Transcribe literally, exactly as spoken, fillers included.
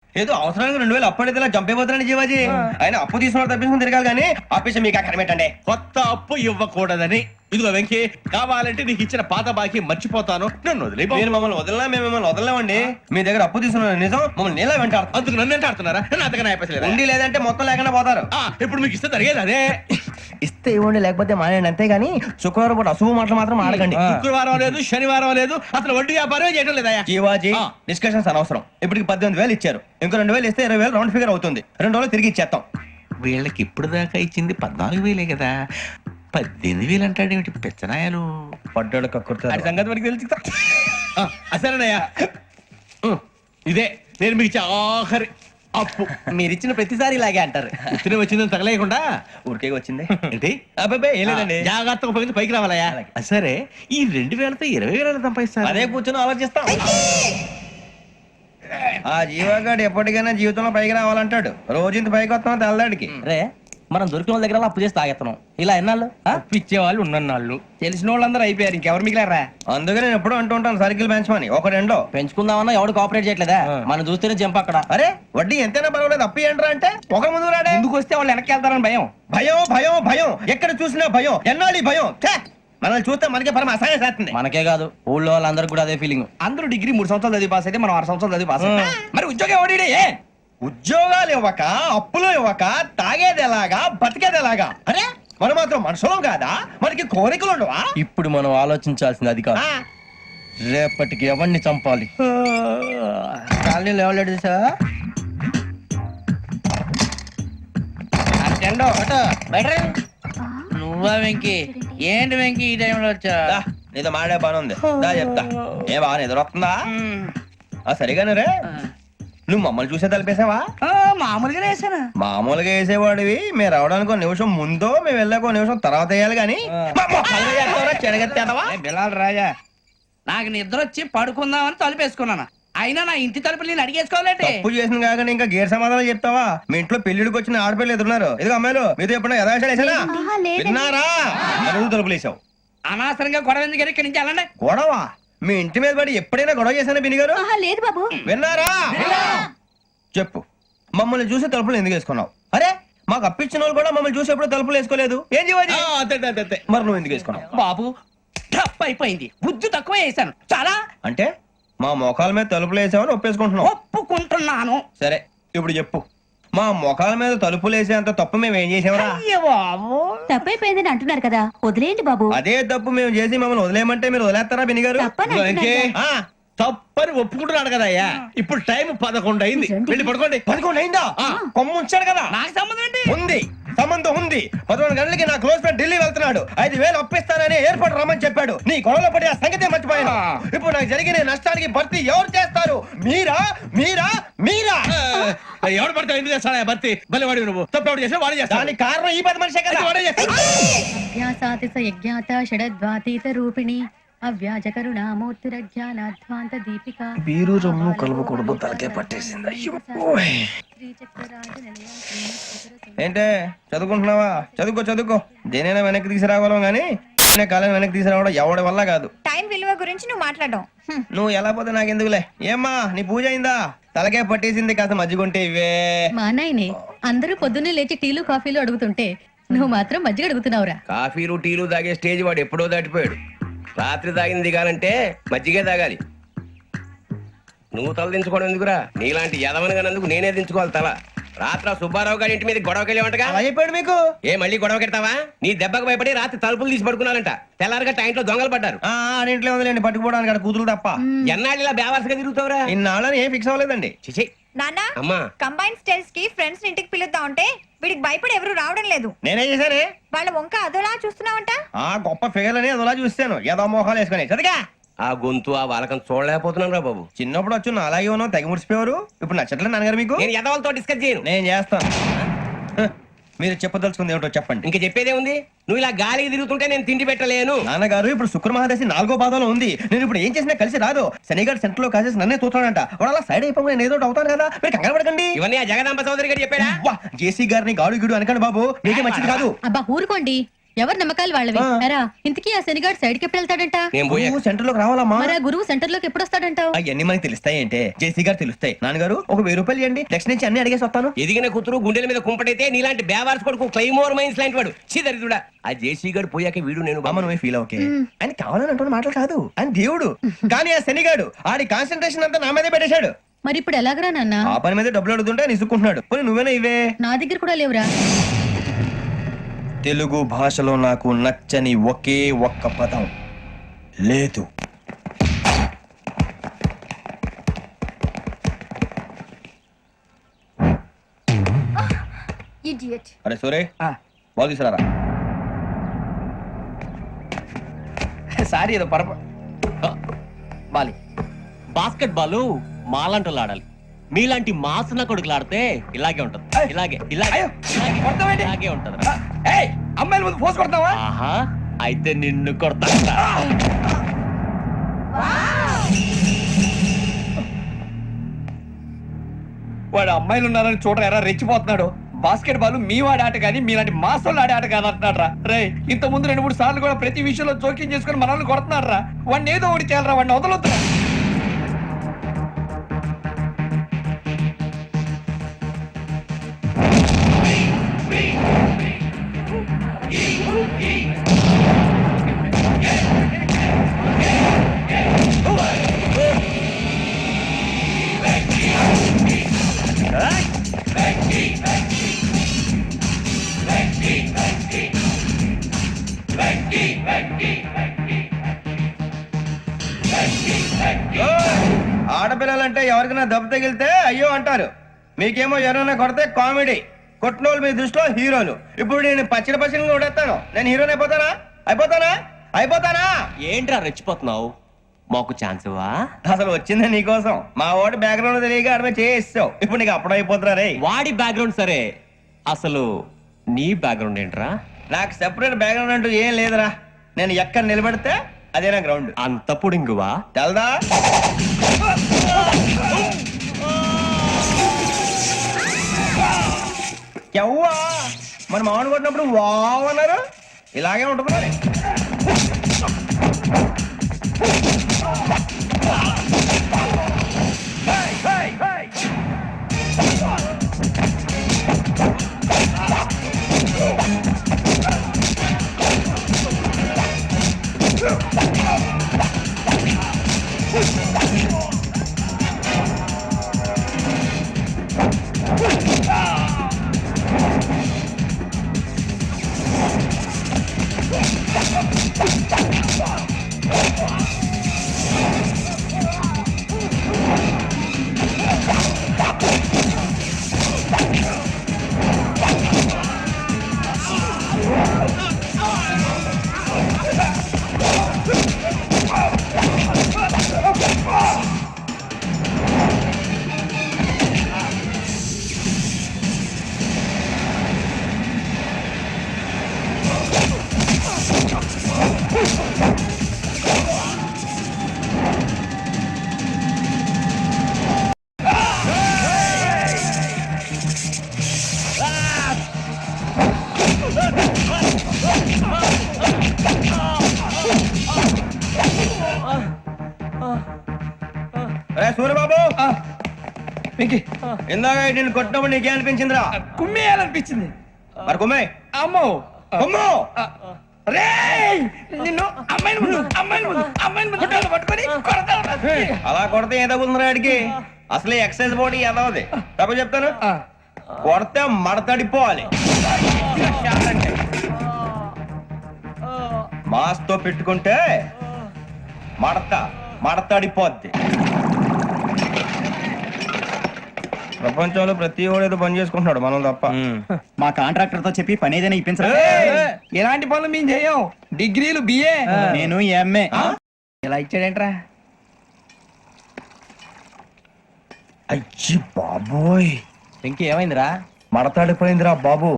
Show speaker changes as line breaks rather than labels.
ఏదో అవసరానికి రెండు వేలు అప్పు అడిగితే చంపేపోతున్నాడు జీవాజీ. ఆయన అప్పు తీసుకున్న తప్పించుకుని తిరగాలి కానీ ఆపేసి మీకు అక్కడ పెట్టండి.
కొత్త అప్పు ఇవ్వకూడదని. ఇదిగో వెంకీ, కావాలంటే నీకు ఇచ్చిన పాత బాకీ మర్చిపోతాను, నన్ను వదిలే.
మీరు మమ్మల్ని వదలనా? మేము మిమ్మల్ని వదలలేమండి. మీ దగ్గర అప్పు తీసుకున్న నిజం మమ్మల్ని నీలా వెంటాడు.
అందుకు నన్ను ఎంత ఆడుతున్నారా? నన్ను అంతగా అయిపోలేదు.
ఉండి లేదంటే మొత్తం లేకుండా పోతారు.
ఇప్పుడు మీకు ఇస్తే జరిగేది అదే.
ఇస్తే ఇవ్వండి, లేకపోతే మానేయండి. అంతేగాని శుక్రవారం పూట అశుభ మాటలు మాత్రం ఆడకండి.
శుక్రవారం లేదు, శనివారం లేదు, అసలు వడ్డీ వ్యాపారం చేయడం లేదా?
జీవాజీ డిస్కషన్స్ అనవసరం. ఇప్పటికి పద్దెనిమిది వేలు ఇచ్చారు, ఇంకో రెండు వేలు ఇస్తే ఇరవై వేలు రౌండ్ ఫిగర్ అవుతుంది. రెండు రోజులు తిరిగి ఇచ్చేస్తాం.
వీళ్ళకి ఇప్పుడు దాకా ఇచ్చింది పద్నాలుగు వేలే కదా, పద్దెనిమిది వేలు అంటాడు ఏమిటి పెచ్చనాయాలు?
పడ్డాడు కక్కుర్తాడు సంగతి మనకి తెలిసి.
అసలేనయ్యా, ఇదే నేను మీకు ఇచ్చే ఆఖరి అప్పు.
మీరు ఇచ్చిన ప్రతిసారి ఇలాగే అంటారు.
ఇతనే వచ్చిందని తగలేయకుండా
ఊరికే వచ్చింది
ఏంటి?
అబ్బాయి ఏం లేదండి,
జాగ్రత్తగా ఉపయోగించి పైకి రావాలయ్యా. సరే, ఈ రెండు వేలతో ఇరవై వేల సంపాదిస్తారు.
అదే కూర్చొని ఆలోచిస్తాం. ఆ జీవగాడు ఎప్పటికైనా జీవితంలో పైకి రావాలంటాడు. రోజు ఇంత పైకి వస్తాం తెల్లడికి.
రే, మనం దొరికిన వాళ్ళ దగ్గర అప్పు చేసి తాగెత్తనం. ఇలా ఎన్నాళ్ళు
ఇచ్చే వాళ్ళు ఉన్నన్నాళ్ళు తెలిసిన వాళ్ళందరూ అయిపోయారు, ఇంకెవరు మిగిలారా?
అందుకే నేను ఎప్పుడు అంటూ ఉంటాను సర్కిల్ పెంచమని. ఒక రెండో
పెంచుకుందామన్నా ఎవడు కోఆపరేట్ చేయట్లేదా? మనం చూస్తేనే జంప్ అక్కడ.
అరే వడ్డీ ఎంతైనా పర్వాలేదు, అప్పు ఏంట్రా అంటే ఒక ముందు రాడే.
ముందుకు వస్తే వాళ్ళు వెనక్కి వెళ్తారని భయం.
భయం భయం భయం ఎక్కడ చూసినా భయం. ఎన్నాళ్ళు భయం? మనల్ని చూస్తే మనకే పరమ అసహాయం చేస్తుంది.
మనకే కాదు, ఊళ్ళో వాళ్ళందరికీ కూడా అదే ఫీలింగ్.
అందరూ డిగ్రీ మూడు సంవత్సరాలు చదివి పాస్ అయితే మనం ఆరు సంవత్సరాలు చదివి పాస్ అయ్యాం. మరి ఉద్యోగం ఎవడి?
ఉద్యోగాలు ఇవ్వక, అప్పులు ఇవ్వక, తాగేది ఎలాగా, బతికేది ఎలాగా? అరే మనం మాత్రం మనుషులం కాదా? మనకి కోరికలు ఉండవా?
ఇప్పుడు మనం ఆలోచించాల్సింది అది కాదు, రేపటికి ఎవరిని చంపాలి.
కాలనీలో ఎవరు సార్?
నువ్వా వెంకీ? ఏంటి వెంకీ ఈ టైంలో వచ్చా?
నీతో మాడే పని ఉంది, దా చెప్తా. ఏ బాగా నిద్రొస్తుందా? సరిగానే రే, నువ్వు మమ్మల్ని చూసే తలిపేసావా?
మామూలుగా వేసానా?
మామూలుగా వేసేవాడివి. మేము రావడానికి ఒక నిమిషం ముందో మేము వెళ్ళాక ఒక నిమిషం తర్వాత వేయాలి కానీ
బిలాల్ రాజా,
నాకు నిద్ర వచ్చి పడుకుందామని తలుపేసుకున్నాను. అయినా నా ఇంటి తలుపులు నేను అడిగేసుకోవాలంటే
తప్పు చేసిన కాక ఇంకా గేర్ సమాధానం చెప్తావా? మీ ఇంట్లో పెళ్లిడికి వచ్చిన ఆడపిల్లలు ఎదురున్నారు. ఇదిగో అమ్మాయిలు, మీతో ఎప్పుడైనా యథాశాలు వేసానా? విన్నారా? అడుగు తలుపులు వేసావు.
అనవసరంగా గొడవ ఎందుకు ఇక్కడి నుంచి వెళ్ళండి.
గొడవ? మీ ఇంటి మీద పడి ఎప్పుడైనా గొడవ చేశానా బిని గారు?
లేదు బాబు.
విన్నారా? చెప్పు, మమ్మల్ని చూసి తలుపులు ఎందుకు వేసుకున్నావు? అరే మాకు అప్పించిన వాళ్ళు కూడా మమ్మల్ని చూసి ఎప్పుడు తలుపులు వేసుకోలేదు. ఏం చేయాలి? మరి నువ్వు ఎందుకు వేసుకున్నావు?
బాబు టప్ అయిపోయింది, బుద్ధి తక్కువ వేసాను చాలా.
అంటే మా మోకాల మీద తలుపులు వేసామని ఒప్పేసుకుంటున్నావు?
ఒప్పుకుంటున్నాను.
సరే ఇప్పుడు చెప్పు, మా మొఖాల మీద తలుపులు వేసేంత తప్పు మేము ఏం చేసామరా?
తప్పైపోయిందని అంటున్నారు కదా, వదిలేయండి బాబు.
అదే తప్పు మేము చేసి మమ్మల్ని వదిలేయమంటే మీరు వదిలేస్తారా బిని గారు?
తప్పని ఒప్పుకుంటున్నాడు కదా అయ్యా. ఇప్పుడు టైం పదకొండు అయింది, వెళ్ళి పడుకోండి.
పదకొండు అయిందా? కొమ్ము ఉంచాడు కదా.
నాకు సంబంధం ఏంటి?
ఉంది, సంబంధం ఉంది. పదకొండు గంటలకి నా క్లోజ్ ఫ్రెండ్ ఢిల్లీ వెళ్తున్నాడు. ఐదు వేలు అప్పిస్తానని ఎయిర్పోర్ట్ రమ్మని చెప్పాడు. నీ గొడవలో పడి ఆ సంగతే మర్చిపోయాను. ఇప్పుడు నాకు జరిగిన నష్టానికి భర్తీ ఎవరు చేస్తారు? మీరా మీరా మీరా?
ఎవడు పడితే ఎందుకు చేస్తాడా భర్తీ? భలే వాడి నువ్వు తప్పు చేసా వాడే చేస్తా.
దానికి కారణం ఈ పది మనిషే కదా. వాడే చేస్తాడు.
యజ్ఞాత షడద్వాతీత రూపిణి అవ్యాజ కరుణామూర్తిరజ్ఞానాధ్వాంత దీపిక.
బీరు రమ్ము కలపకూడదు, తలకే పట్టేసింది. ఏంటే చదువుకుంటున్నావా? చదువుకో చదువుకో. దేనైనా వెనక్కి తీసుకురావాలం గానీ కాలం వెనక్కి తీసుకురావడం ఎవడి వల్ల కాదు.
టైం విలువ గురించి నువ్వు మాట్లాడడం.
నువ్వు ఎలా పోతే నాకెందుకులే. ఏమ్మా నీ పూజ అయిందా? తలకే పట్టేసింది, కాస్త మజ్జిగుంటే ఇవే.
మా నాయనే అందరూ పొద్దున్నే లేచి టీలు కాఫీలు అడుగుతుంటే నువ్వు మాత్రం మజ్జిగ అడుగుతున్నావురా.
కాఫీలు టీలు తాగే స్టేజ్ వాడు ఎప్పుడో దాటిపోయాడు. రాత్రి తాగింది దిగాలంటే మజ్జిగే తాగాలి. నువ్వు తల దించుకోవడం ఎందుకురా? నీలాంటి యదవనగానందుకు నేనే దించుకోవాలి తల. రాత్రి సుబ్బారావు గారి ఇంటి మీద గొడవకి వెళ్ళేవంటగా.
అలా చెప్పాడు మీకు?
ఏ మళ్ళీ గొడవ కెడతావా? నీ దెబ్బకు భయపడి రాత్రి తలుపులు తీసి పడుకున్నారంట. తెల్లారగా టైంట్లో దొంగలు పడ్డారు.
ఇంట్లో ఉందిలేండి, పట్టుకుపోవడానికి అక్కడ కూతురు తప్ప.
ఎన్నాళ్ళు ఇలా బేవర్స్గా తిరుగుతావురా?
ఇన్నాళ్ళని ఏం ఫిక్స్ అవ్వలేదండి.
చిచి
నాన్న,
అమ్మా,
కంబైన్ స్టైల్స్ కి ఫ్రెండ్స్ ఇంటికి పిలుద్దాం అంటే వీడికి భయపడి ఎవరు రావడం లేదు.
నేనేం చేశానే?
వాళ్ళ వంక అదోలా చూస్తున్నావంట.
ఆ గొప్ప ఫిగర్ అని అదోలా చూస్తాను. ఏదో మోహాలు వేసుకుని చదిగా
ఆ గొంతు ఆ వాలకం చూడలేకపోతున్నాను రా బాబు.
చిన్నప్పుడు వచ్చి నా అలాగే ఉన్నావు, తెగ ముడిచిపోయారు. ఇప్పుడు నచ్చట్లేదు నాన్నగారు మీకు?
నేను యదవలతో డిస్కస్ చేయను.
నేను చేస్తాను. మీరు చెప్పదలుచుకుంది ఏమిటో చెప్పండి.
ఇంకా చెప్పేదే ఉంది. నువ్వు ఇలా గాలికి తిరుగుతుంటే నేను తిండి పెట్టలేను.
నాన్నగారు ఇప్పుడు శుక్ర మహాదశి నాలుగో పాదంలో ఉంది. నేను ఇప్పుడు ఏం చేసినా కలిసి రాదు. శనిగారు సెంటర్ లో కాసేసి నన్నే చూస్తాడంట. వాడు అలా సైడ్ అయిపోయి నేను ఏదో అవుతాను కదా, మీరు కంగారు పడకండి.
ఇవన్నీ ఆ జగదాంబ చౌదరి గారు చెప్పాడా?
జేసీ గారిని గాడు గిడు అనకండి బాబు, మీకే మంచిది కాదు.
అబ్బా ఊరుకోండి, ఎవరు నమ్మకాలు వాళ్ళవి ఎరా ఇంతకీ ఆ శనిగాడు సైడ్ కి ఎప్పుడు వెళ్తాడంట
నేను పోయా
సెంటర్ లోకి రావాలమ్మా
మరి ఆ గురువు సెంటర్ లోకి ఎప్పుడు వస్తాడంటావు
అవన్నీ మనకి తెలుస్తాయి అంటే జేసీ గారు తెలుస్తాయి. నాన్నగారు ఒక వెయ్యి రూపాయలు ఇవ్వండి, నెక్స్ట్ నుంచి అన్ని అడిగేసి వస్తాను.
ఎదిగిన కూతురు గుండెల మీద కుంపటైతే నీలాంటి బేవార్స్ కొడుకు క్లైమోర్ మైన్స్ లాంటి వాడు చీదరిదుడా. ఆ జేసీ గారు పోయాక వీడు నేను
అమ్మ నువ్వే ఫీల్ ఓకే ఆయన కావాలని అంటున్న మాటలు కాదు, ఆయన దేవుడు. కానీ ఆ శనిగాడు ఆడి కాన్సన్ట్రేషన్ అంతా నా మీదే పెట్టేశాడు.
మరి ఇప్పుడు ఎలాగరా నాన్న
ఆ పని మీద డబ్బులు అడుగుతుంటే ఆయన ఇసుక్కుంటున్నాడు. పోనీ నువ్వేనా ఇవే.
నా దగ్గర కూడా లేవురా.
తెలుగు భాషలో నాకు నచ్చని ఒకే ఒక్క పదం లేదు. అరే సూరే బాగు తీసుకురారా.
సారీ ఏదో పరప బాలి
బాస్కెట్ బాల్ మాలాంటి ఆడాలి. మీలాంటి మాసన కొడుకులు ఆడితే ఇలాగే ఉంటది. ఇలాగే ఇలాగే
అయ్యో,
ఇలాగే,
కొడతావేంటి?
ఇలాగే ఉంటది.
ఏయ్ అమ్మాయిల ముందు పోసి కొడతావా?
ఆహా అయితే నిన్ను కొడతా.
వాడు అమ్మాయిలు ఉన్నారని చూడరా ఎరా రెచ్చిపోతున్నాడు. బాస్కెట్ బాల్ మీ వాడి ఆట కానీ మీలాంటి మాసోళ్ళు ఆడే ఆట కాదు అంటున్నాడు రా. రే ఇంత ముందు రెండు మూడు సార్లు కూడా ప్రతి విషయంలో జోక్యం చేసుకుని మనల్ని కొడుతున్నాడు రా. వాడిని ఏదో ఒకటి చేయాలరా, వాడిని వదలొద్దు.
ఆడపిల్లలంటే ఎవరికైనా దెబ్బ తగిలితే అయ్యో అంటారు, మీకేమో ఎవరైనా కొడితే కామెడీ. కొట్టినోళ్ళు మీ దృష్టిలో హీరోలు. ఇప్పుడు నేను పచ్చడి పచ్చడిగా కొడేస్తాను, నేను హీరోని అయిపోతానా? అయిపోతానా? అయిపోతానా?
ఏంట్రా రెచ్చిపోతున్నావు? మాకు ఛాన్స్ ఇవ్వా?
అసలు వచ్చిందే నీకోసం. మా వాడి బ్యాక్గ్రౌండ్ తెలియక అడమే చేయిస్తావు. ఇప్పుడు నీకు అప్పుడు అయిపోతున్నా రే.
వాడి బ్యాక్గ్రౌండ్ సరే, అసలు నీ బ్యాక్గ్రౌండ్ ఏంట్రా?
నాకు సెపరేట్ బ్యాక్గ్రౌండ్ అంటూ ఏం లేదురా. నేను ఎక్కడ నిలబడితే అదే నా గ్రౌండ్.
అంత పుడింగువా?
తెల్దా? ఎవ్వా మన మామిడి కొట్టినప్పుడు వావ్ అన్నారు, ఇలాగే ఉంటుంది మరి. సూర్యబాబు
వెంకీ
ఇందాక నేను కొట్టినప్పుడు నీకే అనిపించిందిరా?
కుమ్మేయాలనిపించింది.
మరి కుమ్మే.
అమ్మో
కుమ్ము.
రేయ్ నిన్ను అమ్మాయిని ముందు అమ్మాయిని ముందు అమ్మాయిని ముందు కొట్టాలి, పట్టుకొని కొడతాను.
అలా కొడితే ఏదో ఉందిరా ఆడికి. అసలే ఎక్సైజ్ బాడీ ఏదవది. తప్ప చెప్తాను, కొడితే మడతడిపోవాలి. మాస్ తో పెట్టుకుంటే మడత మడతడిపోద్ది. ప్రపంచంలో ప్రతి వాడు ఏదో పని చేసుకుంటున్నాడు, మనం తప్ప.
మా కాంట్రాక్టర్ తో చెప్పి పని ఏదైనా ఇప్పించరా?
ఎలాంటి పనులు మేము చేయం. డిగ్రీలు బిఏ,
నేను ఎంఏ.
ఇలా ఇచ్చాడేంట్రా?
అయ్యి బాబోయ్,
ఇంకేమైందిరా?
మడతాడిపోయిందిరా బాబు.